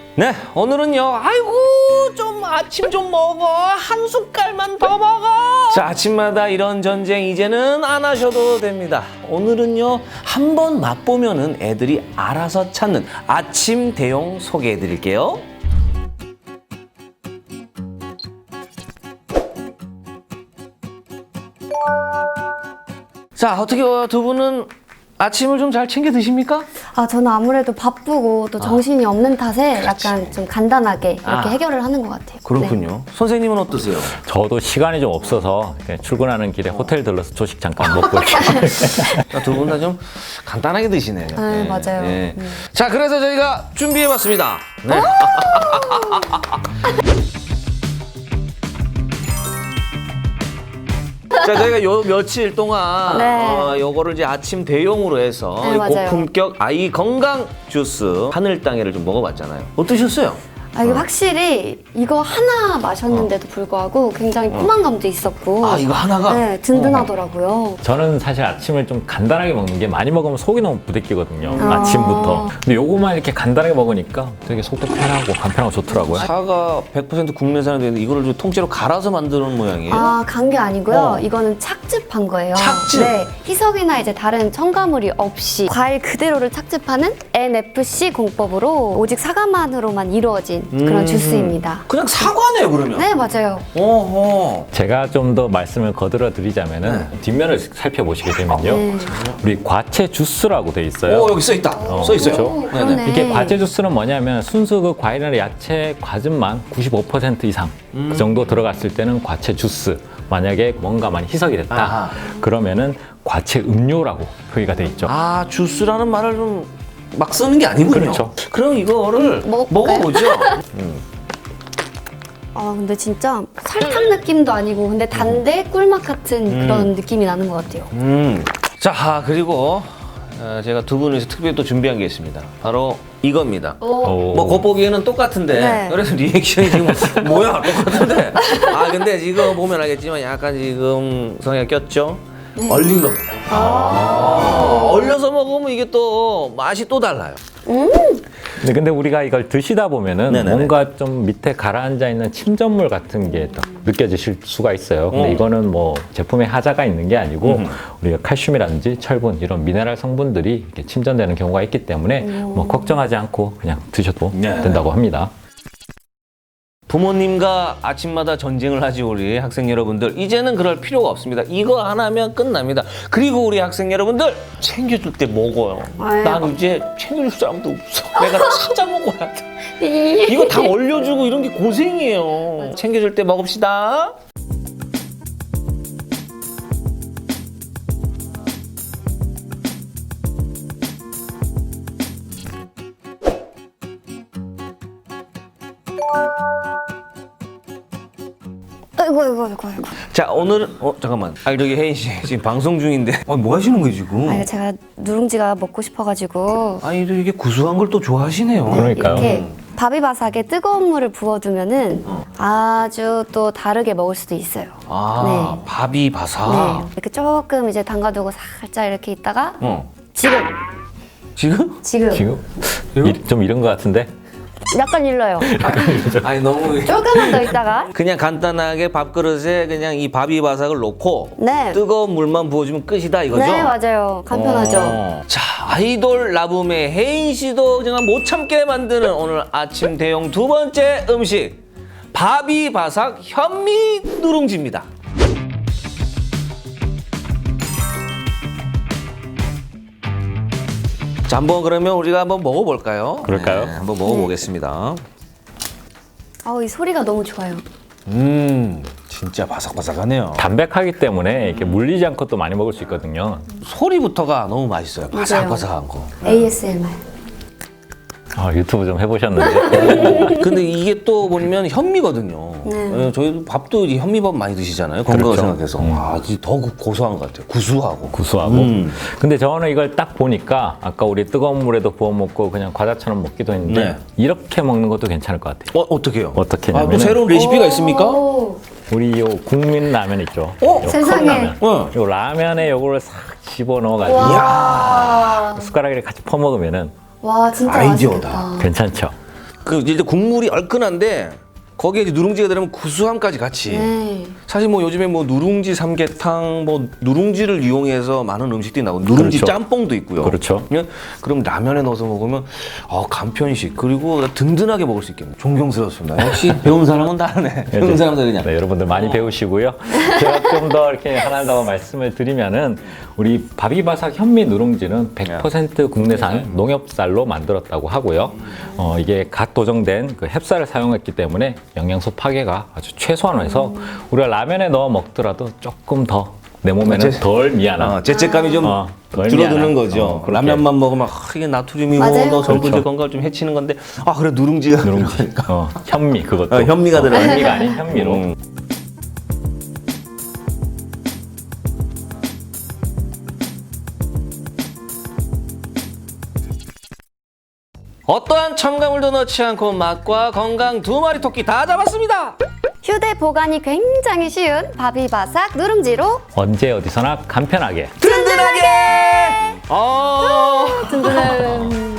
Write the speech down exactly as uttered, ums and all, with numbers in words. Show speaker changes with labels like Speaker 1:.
Speaker 1: 네, 오늘은요. 아이고 좀 아침 좀 먹어. 한 숟갈만 더 먹어. 자, 아침마다 이런 전쟁 이제는 안 하셔도 됩니다. 오늘은요. 한번 맛보면은 애들이 알아서 찾는 아침 대용 소개해 드릴게요. 자, 어떻게 두 분은 아침을 좀 잘 챙겨 드십니까?
Speaker 2: 아, 저는 아무래도 바쁘고 또 정신이 아. 없는 탓에 약간 좀 간단하게 이렇게
Speaker 1: 아.
Speaker 2: 해결을 하는 것 같아요.
Speaker 1: 그렇군요.
Speaker 2: 네.
Speaker 1: 선생님은 어떠세요?
Speaker 3: 저도 시간이 좀 없어서 그냥 출근하는 길에 호텔 들러서 조식 잠깐 먹고 있어요.
Speaker 1: 두 분 다 좀 간단하게 드시네요.
Speaker 2: 네, 맞아요.
Speaker 1: 네.
Speaker 2: 음.
Speaker 1: 자, 그래서 저희가 준비해봤습니다. 네. 자, 저희가 요 며칠 동안
Speaker 2: 네.
Speaker 1: 어, 요거를 이제 아침 대용으로 해서
Speaker 2: 네, 맞아요.
Speaker 1: 고품격 아이 건강 주스 하늘 땅에를 좀 먹어봤잖아요. 어떠셨어요?
Speaker 2: 아, 이게 확실히 이거 하나 마셨는데도 불구하고 굉장히 포만감도 있었고
Speaker 1: 아, 이거 하나가?
Speaker 2: 네, 든든하더라고요.
Speaker 3: 저는 사실 아침을 좀 간단하게 먹는 게 많이 먹으면 속이 너무 부대끼거든요.
Speaker 2: 아.
Speaker 3: 아침부터. 근데 요거만 이렇게 간단하게 먹으니까 되게 속도 편하고 간편하고 좋더라고요.
Speaker 1: 사과 백 퍼센트 국내산이 되는데 이거를 좀 통째로 갈아서 만드는 모양이에요.
Speaker 2: 아, 간 게 아니고요.
Speaker 1: 어.
Speaker 2: 이거는 착즙한 거예요.
Speaker 1: 착즙?
Speaker 2: 네, 희석이나 이제 다른 첨가물이 없이 과일 그대로를 착즙하는 엔에프씨 공법으로 오직 사과만으로만 이루어진 그런
Speaker 1: 음.
Speaker 2: 주스입니다.
Speaker 1: 그냥 사과네요, 그러면.
Speaker 2: 네, 맞아요.
Speaker 1: 어허.
Speaker 3: 제가 좀 더 말씀을 거들어 드리자면은
Speaker 1: 네.
Speaker 3: 뒷면을 살펴보시게 되면요.
Speaker 2: 네.
Speaker 3: 우리 과채 주스라고 돼 있어요.
Speaker 1: 오, 여기 써 있다. 써 있어요.
Speaker 3: 그렇죠?
Speaker 2: 그러네.
Speaker 3: 이게 과채 주스는 뭐냐면 순수 그 과일이나 야채 과즙만 구십오 퍼센트 이상 그 정도 들어갔을 때는 과채 주스. 만약에 뭔가 많이 희석이 됐다.
Speaker 1: 아하.
Speaker 3: 그러면은 과채 음료라고 표기가 돼 있죠.
Speaker 1: 아, 주스라는 말을 좀 막 쓰는 게 아니군요.
Speaker 3: 그렇죠.
Speaker 1: 그럼 이거를
Speaker 2: 먹어볼까요?
Speaker 1: 먹어보죠.
Speaker 2: 아, 근데 진짜 설탕 느낌도 아니고 근데 단데 꿀맛 같은 그런 느낌이 나는 것 같아요.
Speaker 1: 음. 자, 아, 그리고 어, 제가 두 분을 위해서 특별히 또 준비한 게 있습니다. 바로 이겁니다.
Speaker 2: 오.
Speaker 3: 오.
Speaker 1: 뭐 겉보기에는 똑같은데
Speaker 2: 네.
Speaker 1: 그래서 리액션이 지금 뭐야 똑같은데 아 근데 지금 보면 알겠지만 약간 지금 성향 꼈죠? 얼린 겁니다. 아~ 얼려서 먹으면 이게 또 맛이 또 달라요.
Speaker 3: 근데, 근데 우리가 이걸 드시다 보면은
Speaker 1: 네네네.
Speaker 3: 뭔가 좀 밑에 가라앉아 있는 침전물 같은 게 딱 느껴지실 수가 있어요. 근데
Speaker 1: 어.
Speaker 3: 이거는 뭐 제품에 하자가 있는 게 아니고 우리가 칼슘이라든지 철분 이런 미네랄 성분들이 이렇게 침전되는 경우가 있기 때문에 뭐 걱정하지 않고 그냥 드셔도
Speaker 1: 네.
Speaker 3: 된다고 합니다.
Speaker 1: 부모님과 아침마다 전쟁을 하지 우리 학생 여러분들 이제는 그럴 필요가 없습니다. 이거 하나면 끝납니다. 그리고 우리 학생 여러분들 챙겨줄 때 먹어요.
Speaker 2: 아유.
Speaker 1: 난 이제 챙겨줄 사람도 없어. 내가 찾아 먹어야 돼. 이거 다 얼려주고 이런 게 고생이에요. 챙겨줄 때 먹읍시다.
Speaker 2: 아이고, 아이고, 아이고, 아이고.
Speaker 1: 자, 오늘은 어 잠깐만. 아, 저기 혜인 씨 지금 방송 중인데. 아, 뭐 하시는 거예요 지금?
Speaker 2: 아, 제가 누룽지가 먹고 싶어가지고
Speaker 1: 아니, 또 이게 구수한 걸 또 좋아하시네요.
Speaker 3: 그러니까요.
Speaker 2: 이렇게 바비바삭에 뜨거운 물을 부어두면은 아주 또 다르게 먹을 수도 있어요.
Speaker 1: 아,
Speaker 2: 네.
Speaker 1: 밥이 바삭.
Speaker 2: 네, 이렇게 조금 이제 담가두고 살짝 이렇게 있다가
Speaker 1: 어.
Speaker 2: 지금,
Speaker 1: 지금?
Speaker 2: 지금,
Speaker 3: 지금 이- 좀 이런 것 같은데
Speaker 2: 약간 일러요.
Speaker 1: 아니 너무
Speaker 2: 조금만 더 있다가
Speaker 1: 그냥 간단하게 밥그릇에 그냥 이 밥이 바삭을 놓고
Speaker 2: 네,
Speaker 1: 뜨거운 물만 부어주면 끝이다 이거죠?
Speaker 2: 네 맞아요. 간편하죠.
Speaker 1: 어. 자, 아이돌 라붐의 혜인 씨도 정말 못 참게 만드는 오늘 아침 대용 두 번째 음식 밥이 바삭 현미 누룽지입니다. 자, 한번 그러면 우리가 한번 먹어볼까요?
Speaker 3: 그럴까요?
Speaker 1: 네, 한번 먹어보겠습니다.
Speaker 2: 아우, 이 소리가 너무 좋아요.
Speaker 1: 음, 진짜 바삭바삭하네요.
Speaker 3: 담백하기 때문에 이렇게 물리지 않고 또 많이 먹을 수 있거든요.
Speaker 1: 소리부터가 너무 맛있어요. 바삭바삭한 거.
Speaker 2: 에이에스엠알.
Speaker 3: 아, 유튜브 좀 해보셨는데
Speaker 1: 근데 이게 또 보면 현미거든요.
Speaker 2: 네.
Speaker 1: 예, 저희도 밥도 이제 현미밥 많이 드시잖아요. 건강을
Speaker 3: 그렇죠.
Speaker 1: 생각해서. 아, 이제 더 고- 고소한 것 같아요. 구수하고.
Speaker 3: 구수하고.
Speaker 1: 음.
Speaker 3: 근데 저는 이걸 딱 보니까 아까 우리 뜨거운 물에도 부어 먹고 그냥 과자처럼 먹기도 했는데
Speaker 1: 네.
Speaker 3: 이렇게 먹는 것도 괜찮을 것 같아요.
Speaker 1: 어, 어떻게요?
Speaker 3: 어떻게
Speaker 1: 아, 또
Speaker 3: 하냐면은
Speaker 1: 새로운 레시피가 있습니까?
Speaker 2: 오,
Speaker 3: 우리 요 국민 라면 있죠.
Speaker 1: 어?
Speaker 3: 요
Speaker 2: 세상에.
Speaker 3: 컵라면.
Speaker 1: 어.
Speaker 3: 요 라면에 요거를 싹 집어 넣어가지고
Speaker 2: 와,
Speaker 3: 숟가락에 같이 퍼먹으면은
Speaker 2: 와 진짜
Speaker 1: 아이디어다.
Speaker 2: 맛있겠다.
Speaker 3: 괜찮죠.
Speaker 1: 그 이제 국물이 얼큰한데 거기에 이제 누룽지가 들어가면 구수함까지 같이.
Speaker 2: 네.
Speaker 1: 사실 뭐 요즘에 뭐 누룽지 삼계탕, 뭐 누룽지를 이용해서 많은 음식들이 나오고 누룽지
Speaker 3: 그렇죠.
Speaker 1: 짬뽕도 있고요.
Speaker 3: 그렇죠.
Speaker 1: 그냥 그럼 라면에 넣어서 먹으면 어, 간편식 그리고 든든하게 먹을 수 있겠네요. 존경스럽습니다. 역시 배운 사람은 다르네. 배운 사람 다르냐.
Speaker 3: 네, 여러분들 많이 배우시고요. 제가 좀 더 이렇게 하나 더 말씀을 드리면은 우리 바비바삭 현미 누룽지는 백 퍼센트 국내산 농협쌀로 만들었다고 하고요. 어, 이게 갓 도정된 그 햅쌀을 사용했기 때문에 영양소 파괴가 아주 최소한해서 우리가 라면에 넣어 먹더라도 조금 더 내 몸에는
Speaker 1: 제-
Speaker 3: 덜 미안한
Speaker 1: 어, 죄책감이 좀
Speaker 3: 어, 덜
Speaker 1: 줄어드는
Speaker 3: 미안한,
Speaker 1: 거죠.
Speaker 3: 어, 그렇게.
Speaker 1: 라면만 먹으면 아, 이게 나트륨이고
Speaker 2: 맞아요.
Speaker 1: 너 전분질
Speaker 3: 그렇죠.
Speaker 1: 건강을 좀 해치는 건데 아 그래 누룽지가
Speaker 3: 누룽지, 어, 현미 그것도
Speaker 1: 어, 현미가 들어가요.
Speaker 3: 현미가 아닌 현미로.
Speaker 1: 음. 어떠한 첨가물도 넣지 않고 맛과 건강 두 마리 토끼 다 잡았습니다.
Speaker 2: 휴대 보관이 굉장히 쉬운 바비바삭 누룽지로
Speaker 3: 언제 어디서나 간편하게.
Speaker 1: 든든하게. 어.
Speaker 2: 든든한